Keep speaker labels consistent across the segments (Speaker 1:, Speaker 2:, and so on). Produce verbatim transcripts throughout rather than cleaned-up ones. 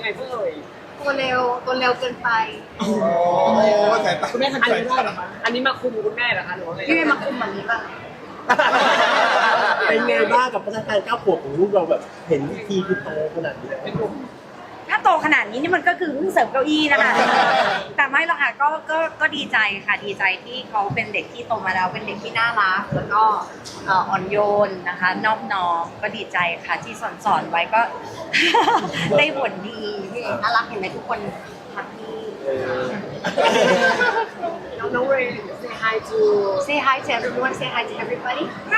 Speaker 1: ไงเพื่อเอ่ย
Speaker 2: ตัวเร็วตัวเร็วเกินไป
Speaker 3: โอ้สายตา
Speaker 1: คุณแม่ทำอะไรได้เหรอคะอันนี้มาคุมคุณแม่เหรอคะหรือว่าไง
Speaker 2: พี่ไม่มาคุมแบบนี้ป่ะ
Speaker 4: เป็นไงบ้างกับพัฒนาการก้าวขวบของลูกเราแบบเห็นวิธีคือโตขนาดนี้
Speaker 5: ถ้าโตขนาดนี้นี่มันก็คือเพิ่งเสริมเก้าอี้นะคะ แต่ไม่หรอกค่ะก็ก็ก็ดีใจค่ะดีใจที่เขาเป็นเด็กที่โตมาแล้วเป็นเด็กที่น่ารักแล้วก็เอ่ออ่อนโยนนะคะนอบน้อมก็ดีใจค่ะที่สอนสอนไว้ก็ ได้ผลดีพี่เอกน่ารักเห็นไหมทุกคนแฮปปี้
Speaker 1: น้องน้องเรย์ say hi to
Speaker 5: say hi to everyone say hi to everybody hi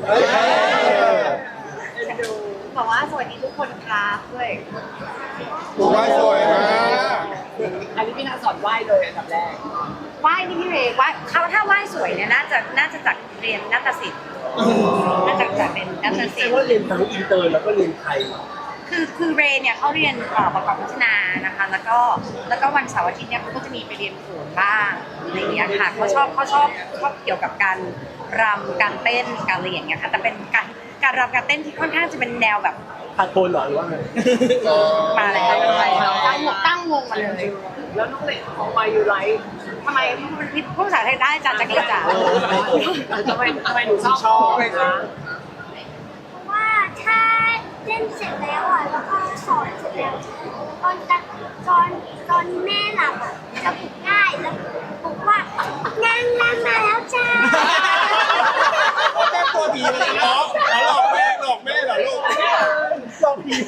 Speaker 5: บอกว่าสวัสดีทุกคนครับด้วย
Speaker 3: ถูกว่าสวยมาก
Speaker 1: อันนี้พี่นาสอนไหว้เลยอันดับแรก
Speaker 5: ไหว้นี่พี่เรย์ไหว้เขาถ้าไหว้สวยเนี่ยน่าจะน่าจะจากเรียนนาฏศิลป์น่าจะจากเรียนนาฏศิ
Speaker 4: แต่
Speaker 5: ลป์
Speaker 4: ว่าเรียนทั้งอินเตอร์แล้วก็เรียนไทย
Speaker 5: คือคือเรย์เนี่ยเขาเรียนเอ่อประกอบพัฒนานะคะแล้วก็แล้วก็วันเสาร์อาทิตย์เนี่ยเขาก็จะมีไปเรียนโขนบ้างอะไรอย่างเงี้ยค่ะเขาชอบเขาชอบชอบเกี่ยวกับการรำการเต้นการอะไรอย่างเงี้ยค่ะแต่เป็นการการรำการเต้นที่ค่อนข้างจะเป็นแนวแบบ
Speaker 4: พาโกนเหรอหรือว่าไง
Speaker 5: มาเลยตั้งวงตั้งวงมาเลย
Speaker 1: แล้วน้องเรย์ของมายูไร
Speaker 5: ทำไมพี่พูดภาษาไทยได้จ้าจักรีจ๋า
Speaker 1: ทำไมทำไมหนูชอบชอบเลยคะ
Speaker 6: ว่าถ้าเล่นเสร็จแล้วอ่ะแล้วก็สอนเสร็จแล้วตอนตอนตอนแม่หลับอ่ะจะปลุกง่ายแล้วปลุกว่านางรำมาแล้วจ้า
Speaker 3: แม่ตัวดีเลยเนาะหลอกแม่หลอกแม่เหรอลูก
Speaker 4: หลอกผี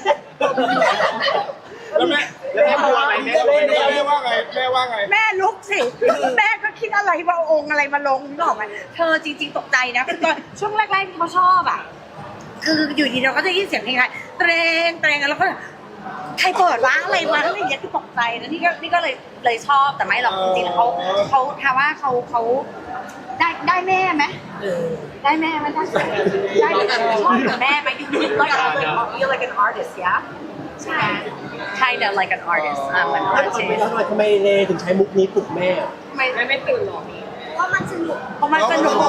Speaker 3: แล้วแม่แล้วแม่ว่าไงแม่แม่ว่าไงแม่ว่าไง
Speaker 5: แม่ลุกสิแม่ก็คิดอะไรว่าองค์อะไรมาลงนึกออกไหมเธอจริง ๆตกใจนะคือตอนช่วงแรกๆที่เขาชอบอ่ะคืออยู่ดีเราก็จะยินเสียงเพลงไทยเตรงเตรงแล้วก็ใครเปิดวะอะไรวะอะไรอย่างเงี้ยคือตกใจนะนี่ก็นี่ก็เลยเลยชอบแต่ไม่หรอกจริงๆแล้วเขาเขาถามว่าเขาเขาได้ได้แม่ไหมได้แม่ไหมได้ได้ชอบกับแม่ไหม you like you like an artist yeah ใช่ kind of like an artist อ่ะเหมือน
Speaker 4: แล้ว
Speaker 5: artist
Speaker 4: ทำไมทำไมเลถึงใช้มุกนี้ปลุกแม่
Speaker 5: ไม่
Speaker 1: แม่ไม่ตื่นหรอ
Speaker 6: เพราะมันสนุก
Speaker 5: เพราะมันสนุก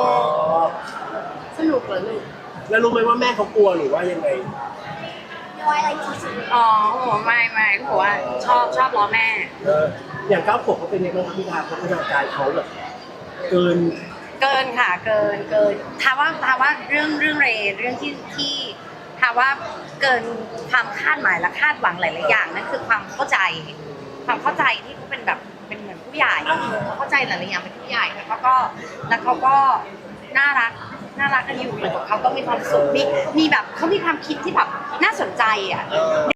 Speaker 2: สนุกเหรอลูก
Speaker 4: แล้วรู้ไหมว่าแม่เขากลัวหรือว่ายังไง
Speaker 6: น้อยอะไรที่สุด
Speaker 5: อ๋อโหไม่ไม่เขาบอกว่าชอบชอบล้อแม่
Speaker 4: เอออย่างก้าวขวบเขาเป็นยังไงบ้างครับพี่ดาพัฒนาการเขาแบบเกิน
Speaker 5: เกินค่ะเกินเกินถามว่าถามว่าเรื่องเรื่องเรย์เรื่องที่ที่ถามว่าเกินความคาดหมายและคาดหวังหลายๆอย่างนั่นคือความเข้าใจ ความเข้าใจที่เขาเป็นแบบเป็นเหมือนผู้ใหญ่เขาเข้าใจหลายๆอย่างเป็นผู้ใหญ่แล้วเขาก็แล้วเขาก็น่ารักน่ารักกันอยู่อยู่กับเขาก็มีความสุขมีมีแบบเขามีความคิดที่แบบน่าสนใจอ่ะ